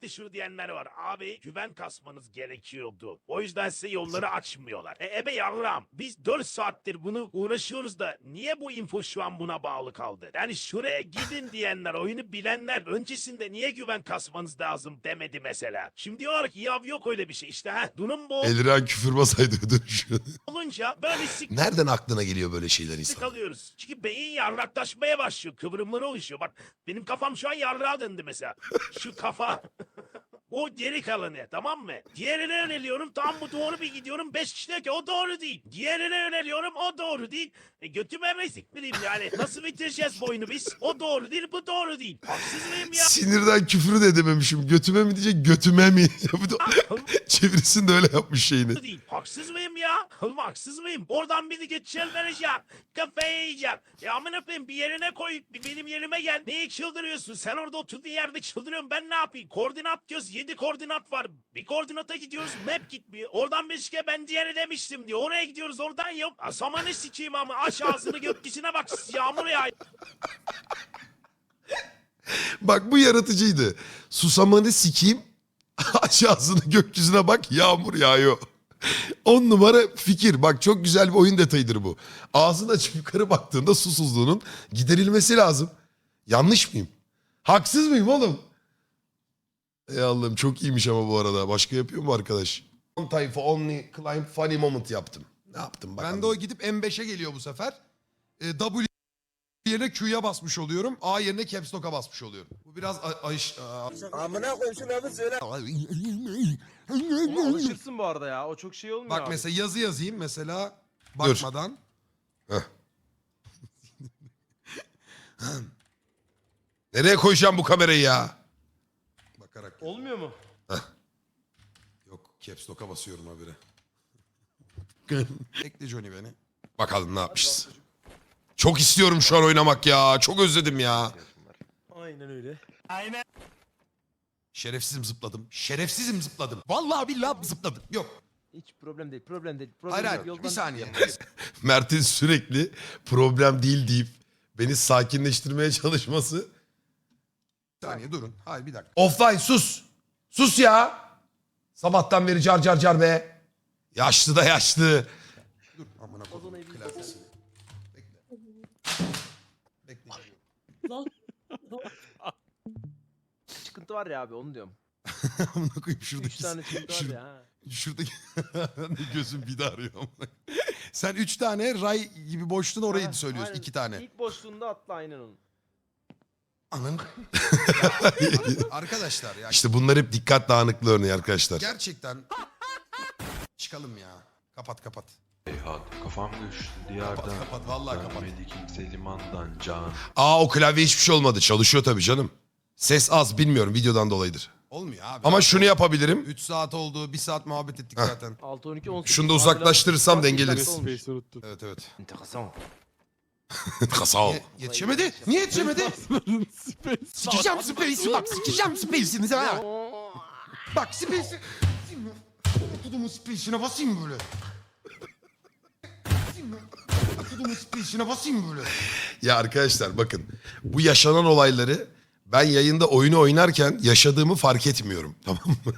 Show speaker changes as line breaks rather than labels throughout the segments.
şunu diyenler var. Abi güven kasmanız gerekiyordu. O yüzden size yolları açmıyorlar. Ebe yavrum biz 4 saattir bunu uğraşıyoruz da niye bu info şu an buna bağlı kaldı? Yani şuraya gidin diyenler, oyunu bilenler öncesinde niye güven kasmanız lazım demedi mesela. Şimdi diyorlar ki ya yok öyle bir şey işte durum bu
Eliren küfür basaydı dönüşü.
olunca böyle
Nereden aklına geliyor böyle şeyler insan?
kalıyoruz. Çünkü beyin yarraklaşmaya başlıyor. Kıvrımları oluşuyor. Bak benim kafam şu an yarrağa döndü mesela. Şu kafa. O geri kalanı tamam mı? Diğerine yöneliyorum tam bu doğru bir gidiyorum. 5 kişi diyor ki o doğru değil. Diğerine yöneliyorum o doğru değil. Götüme mi siktireyim yani? Nasıl bitireceğiz bu oyunu biz? O doğru değil bu doğru değil. Haksız mıyım ya?
Sinirden küfür de edememişim. Götüme mi diyecek götüme mi? Bu da- Çevirisini de öyle yapmış şeyini.
Değil. Haksız mıyım ya? Haksız mıyım? Oradan bir de geçeceğim vereceğim. Kafayı yiyeceğim. Ya amına koyayım bir yerine koy. Bir benim yerime gel. Neyi çıldırıyorsun? Sen orada oturduğun yerde çıldırıyorsun. Ben ne yapayım? Koordinat diyoruz. 7 koordinat var. Bir koordinata gidiyoruz. Map gitmiyor. Oradan bir şike ben diğeri demiştim diyor. Oraya gidiyoruz. Oradan yok. Samanı sikeyim ama. Aç ağzını gökyüzüne bak. Yağmur yağ.
Bak bu yaratıcıydı. Susamanı sikeyim. Aç ağzını gökyüzüne bak yağmur yağıyor. 10 numara fikir. Bak çok güzel bir oyun detayıdır bu. Ağzını açıp yukarı baktığında susuzluğunun giderilmesi lazım. Yanlış mıyım? Haksız mıyım oğlum? Ey Allah'ım çok iyiymiş ama bu arada. Başka yapıyor mu arkadaş? On tayfa only climb funny moment yaptım. Ne yaptım bakalım.
Ben de o gidip M5'e geliyor bu sefer. W yerine Q'ya basmış oluyorum. A yerine Caps Lock'a basmış oluyorum. Bu biraz
Amına koyayım şunu abi söyle.
Ama alışırsın bu arada ya. O çok şey olmuyor
Bak
abi.
mesela yazı yazayım mesela bakmadan.
Nereye koyacağım bu kamerayı ya?
Bakarak.
Olmuyor mu?
Yok Caps Lock'a basıyorum habire. Bekle Johnny beni.
Bakalım ne yapmışız. Çok istiyorum şu an oynamak ya. Çok özledim ya.
Aynen öyle.
Şerefsizim zıpladım. Şerefsizim zıpladım. Vallahi billahi zıpladım. Yok.
Hiç problem değil. Problem değil. Problem
Hayır
değil.
hayır bir
Yoldan
saniye.
yaparız.
Mert'in sürekli problem değil deyip beni sakinleştirmeye çalışması.
Bir saniye durun. Hayır bir dakika.
Offline sus. Sus ya. Sabahtan beri car car car be. Yaşlı da yaşlı.
Dur. Amına
Ozan'ı
koyayım.
bir
Klavyesini. Bekle.
Çıkıntı var ya abi onu diyorum.
Amına koyayım
3
şuradaki.
tane çıkıntı var ya. Ha.
Şuradaki gözüm bir de arıyor. Sen 3 tane ray gibi boşluğun orayı
Ha,
söylüyorsun.
aynen.
2 tane.
İlk boşluğunda atla aynen onun.
Anın. Arkadaşlar ya
İşte bunlar hep dikkat dağınıklığı örneği arkadaşlar.
gerçekten çıkalım ya. Kapat kapat.
Heyhat kafam göçtü diyardan.
Kapat vallahi kapat.
Dönmedi kimse limandan can.
Aa o klavye hiçbir şey olmadı. Çalışıyor tabii canım. Ses az bilmiyorum videodan dolayıdır.
Olmuyor abi.
Ama şunu yapabilirim.
3 saat oldu. 1 saat muhabbet ettik zaten.
6 12 18.
Şunu da uzaklaştırırsam dengeleriz.
Evet evet.
Enteresan.
Kasal.
Yetişemedi. Niye yetişemedi? Sikeceğim Space'i bak. Sikeceğim Space'inizi ha. Bak Space'i. Kudumun Space'ine basayım böyle. Kudumun Space'ine basayım böyle.
Ya arkadaşlar bakın bu yaşanan olayları ben yayında oyunu oynarken yaşadığımı fark etmiyorum. Tamam mı?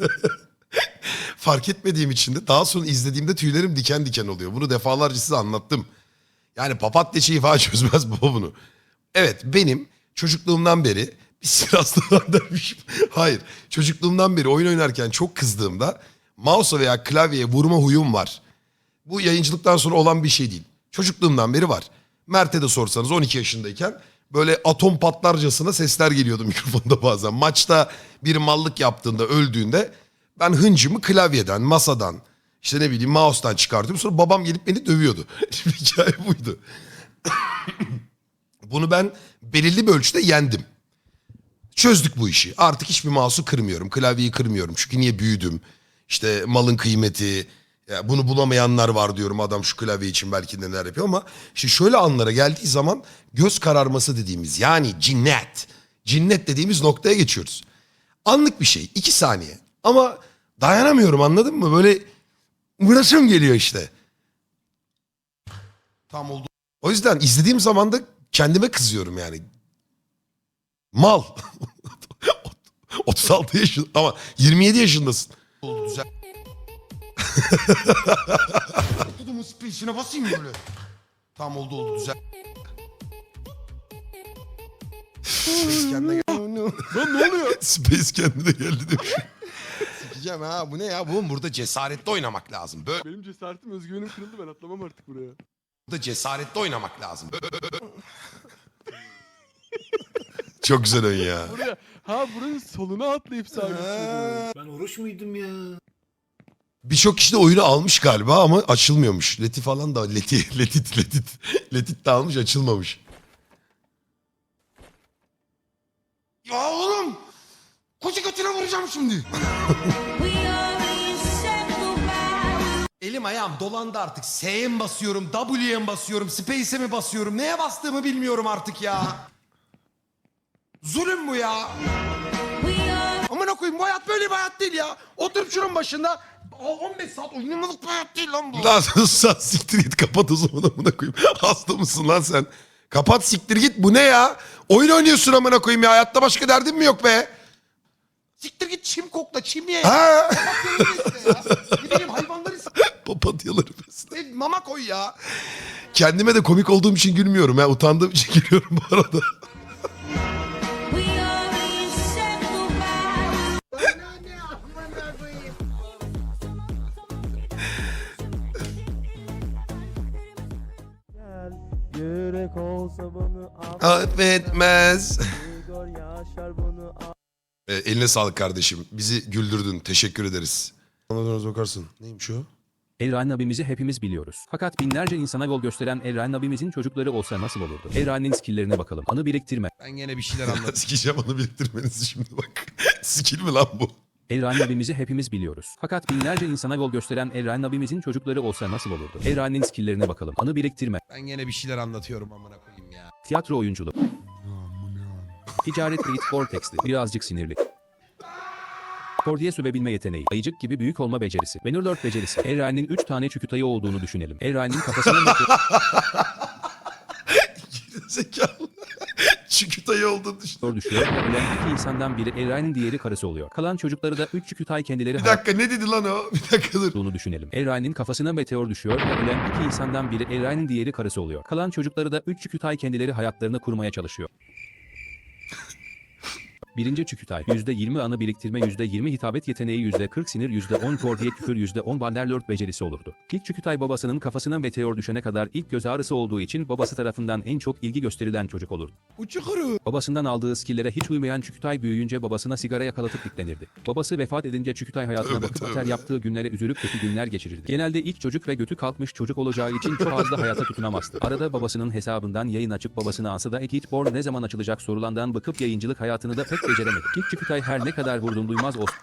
Fark etmediğim için de daha sonra izlediğimde tüylerim diken diken oluyor. Bunu defalarca size anlattım. Yani papatya şeyi falan çözmez baba bunu. Evet benim çocukluğumdan beri bir silahsızlığa dermişim. Hayır çocukluğumdan beri oyun oynarken çok kızdığımda mouse'a veya klavyeye vurma huyum var. Bu yayıncılıktan sonra olan bir şey değil. Çocukluğumdan beri var. Mert'e de sorsanız 12 yaşındayken böyle atom patlarcasına sesler geliyordu mikrofonda bazen. Maçta bir mallık yaptığında öldüğünde ben hıncımı klavyeden, masadan, işte ne bileyim mouse'dan çıkartıyorum. Sonra babam gelip beni dövüyordu. Şimdi hikaye buydu. Bunu ben belirli bir ölçüde yendim. Çözdük bu işi. Artık hiçbir mouse'u kırmıyorum. Klavyeyi kırmıyorum. Çünkü niye büyüdüm? İşte malın kıymeti. Ya bunu bulamayanlar var diyorum. Adam şu klavye için belki neler yapıyor ama işte şöyle anlara geldiği zaman göz kararması dediğimiz yani cinnet. Cinnet dediğimiz noktaya geçiyoruz. Anlık bir şey. 2 saniye. Ama dayanamıyorum anladın mı? Böyle uğraşım geliyor işte.
Tam oldu.
O yüzden izlediğim zaman da kendime kızıyorum yani. Mal. 36 yaşında ama 27 yaşındasın.
Oldu güzel. Tutumun space'ine basayım böyle. Tamam oldu güzel. Space kendine geldi.
Lan ne oluyor? Space kendine geldi demiş.
Sikeceğim ha, bu ne ya? Bu burada cesaretli oynamak lazım. Böyle
Benim cesaretim, özgüvenim kırıldı, ben atlamam artık buraya.
burada cesaretli oynamak lazım.
Çok güzel oyun ya.
Buraya, buranın soluna atlayıp sabitledim.
Ben oruç muydum ya?
Birçok kişi de oyunu almış galiba ama açılmıyormuş. Leti falan da Letit de almış, açılmamış.
Ya oğlum! Koca götüne vuracağım şimdi. Elim ayağım dolandı artık. S'ye mi basıyorum, W'ye mi basıyorum, Space'e mi basıyorum? Neye bastığımı bilmiyorum artık ya. Zulüm bu ya. Amına koyayım, bu hayat böyle bir hayat değil ya. Oturup şunun başında 15 saat oynamalık bir hayat değil lan bu.
Lan sen siktir git, kapat o zaman, amına koyayım. Hasta mısın lan sen? Kapat, siktir git, bu ne ya? Oyun oynuyorsun amına koyayım ya. Hayatta başka derdin mi yok be?
Siktir git, çim kokla, çim ye.
Ha?
Ne bileyim, hayvanları
Papatyaları besle.
mama koy ya.
Kendime de komik olduğum için gülmüyorum ya. Utandığım için gülüyorum bu arada.
Yürek olsa bunu
Affetmez.
Gör yaşar bunu
Eline sağlık kardeşim. Bizi güldürdün. Teşekkür ederiz. Ona bakarsın. Neymiş o?
Elrain abimizi hepimiz biliyoruz. Fakat binlerce insana yol gösteren Elrain abimizin çocukları olsa nasıl olurdu? Elrain'in skilllerine bakalım. Anı biriktirme.
Ben gene bir şeyler anladım.
Sikeceğim onu, biriktirmenizi şimdi bak. Skill mi lan bu?
Elrain abimizi hepimiz biliyoruz. Fakat binlerce insana yol gösteren Elrain abimizin çocukları olsa nasıl olurdu? Elrain'in skilllerine bakalım. Anı biriktirme.
Ben gene bir şeyler anlatıyorum amına koyayım ya.
Tiyatro oyunculuğu. Ticaret Reed Vortex'ti. Birazcık sinirli. Kordiye sövebilme yeteneği, ayıcık gibi büyük olma becerisi, Bannerlord becerisi. Elrain'in 3 tane çükütayı olduğunu düşünelim. Elrain'in kafasına
Zekalı. Çükütayı olduğunu düşün.
meteor düşüyor. Ölen iki insandan biri Elrain'in, diğeri karısı oluyor. Kalan çocukları da 3 çükütay kendileri
Bir dakika, ne dedi lan o? Bir dakika dur.
olduğunu düşünelim. Elrain'in kafasına meteor düşüyor. Ölen iki insandan biri Elrain'in, diğeri karısı oluyor. Kalan çocukları da 3 çükütay kendileri hayatlarını kurmaya çalışıyor. Birinci çükütay %20 anı biriktirme, %20 hitabet yeteneği, %40 sinir, %10 kordiye küfür, %10 Bannerlord becerisi olurdu. İlk çükütay babasının kafasına meteor düşene kadar ilk göz ağrısı olduğu için babası tarafından en çok ilgi gösterilen çocuk olurdu.
Uçukuru.
Babasından aldığı skillere hiç uymayan çükütay büyüyünce babasına sigara yakalatıp diklenirdi. Babası vefat edince çükütay hayatına bakıp ater yaptığı günlere üzülüp kötü günler geçirirdi. Genelde ilk çocuk ve götü kalkmış çocuk olacağı için çok fazla hayata tutunamazdı. Arada babasının hesabından yayın açıp babasına ansıda Ekitborn ne zaman açılacak sorulandan bakıp yayıncılık hayatını da pek beceremedi. İlk çükütay her ne kadar vurdum duymaz olsa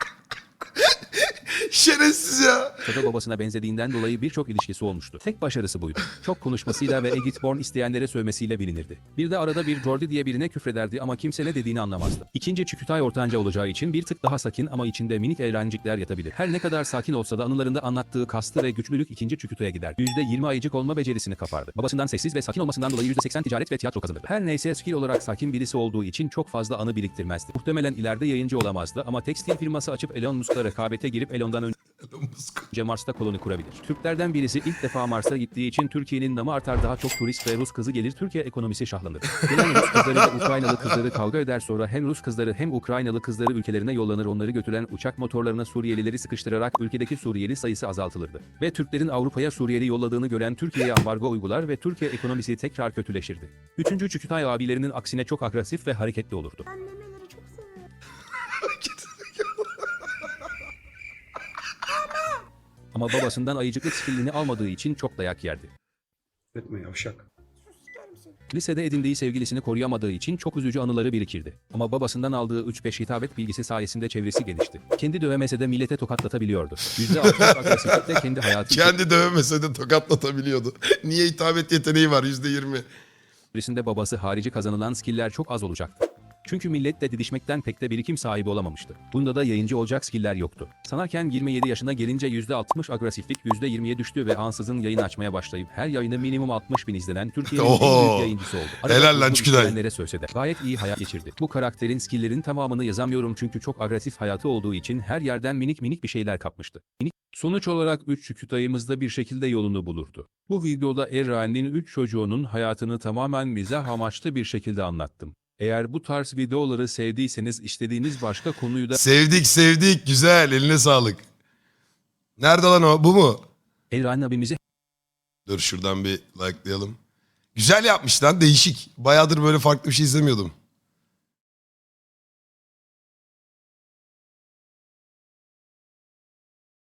Şerefsiz ya.
da babasına benzediğinden dolayı birçok ilişkisi olmuştu. Tek başarısı buydu. Çok konuşmasıyla ve Egitborn isteyenlere sövmesiyle bilinirdi. Bir de arada bir Jordi diye birine küfrederdi ama kimse ne dediğini anlamazdı. İkinci çükütay ortanca olacağı için bir tık daha sakin ama içinde minik eğlencikler yatabilir. Her ne kadar sakin olsa da anılarında anlattığı kastı ve güçlülük ikinci çükütaya gider. %20 ayıcık olma becerisini kapardı. Babasından sessiz ve sakin olmasından dolayı %80 ticaret ve tiyatro kazanırdı. Her neyse skill olarak sakin birisi olduğu için çok fazla anı biriktirmezdi. Muhtemelen ileride yayıncı olamazdı ama tekstil firması açıp Elon Musk'la rekabete girip Elon'dan önce Mars'ta koloni kurabilir. Türklerden birisi ilk defa Mars'a gittiği için Türkiye'nin namı artar, daha çok turist ve Rus kızı gelir, Türkiye ekonomisi şahlanır. Gelen Rus kızları ve Ukraynalı kızları kavga eder, sonra hem Rus kızları hem Ukraynalı kızları ülkelerine yollanır, onları götüren uçak motorlarına Suriyelileri sıkıştırarak ülkedeki Suriyeli sayısı azaltılırdı. Ve Türklerin Avrupa'ya Suriyeli yolladığını gören Türkiye'ye ambargo uygular ve Türkiye ekonomisi tekrar kötüleşirdi. Üçüncü çükütay abilerinin aksine çok agresif ve hareketli olurdu. Ama babasından ayıcıklık skillini almadığı için çok dayak yerdi.
Etme yavşak.
Lisede edindiği sevgilisini koruyamadığı için çok üzücü anıları birikirdi. Ama babasından aldığı 3-5 hitabet bilgisi sayesinde çevresi gelişti. Kendi dövemese de millete tokatlatabiliyordu. %60 agresiflikle kendi hayatı
Kendi dövemese de tokatlatabiliyordu. Niye hitabet yeteneği var %20?
içerisinde babası harici kazanılan skiller çok az olacaktı. Çünkü milletle didişmekten pek de birikim sahibi olamamıştı. Bunda da yayıncı olacak skiller yoktu. Sanarken 27 yaşına gelince %60 agresiflik %20'ye düştü ve ansızın yayın açmaya başlayıp her yayını minimum 60.000 izlenen Türkiye'nin en
Oho.
büyük yayıncısı oldu.
Helal lan
uzun
Çüküday.
izleyenlere sövse de gayet iyi hayat geçirdi. Bu karakterin skilllerin tamamını yazamıyorum çünkü çok agresif hayatı olduğu için her yerden minik minik bir şeyler kapmıştı. Sonuç olarak 3 Çükütay'ımızda bir şekilde yolunu bulurdu. Bu videoda Erra'nın 3 çocuğunun hayatını tamamen mizah amaçlı bir şekilde anlattım. Eğer bu tarz videoları sevdiyseniz istediğiniz başka konuyu da
Sevdik. Güzel. Eline sağlık. Nerede lan o? Bu mu?
Erra'nın abimize
Dur şuradan bir likelayalım. Güzel yapmış lan. Değişik. Bayağıdır böyle farklı bir şey izlemiyordum.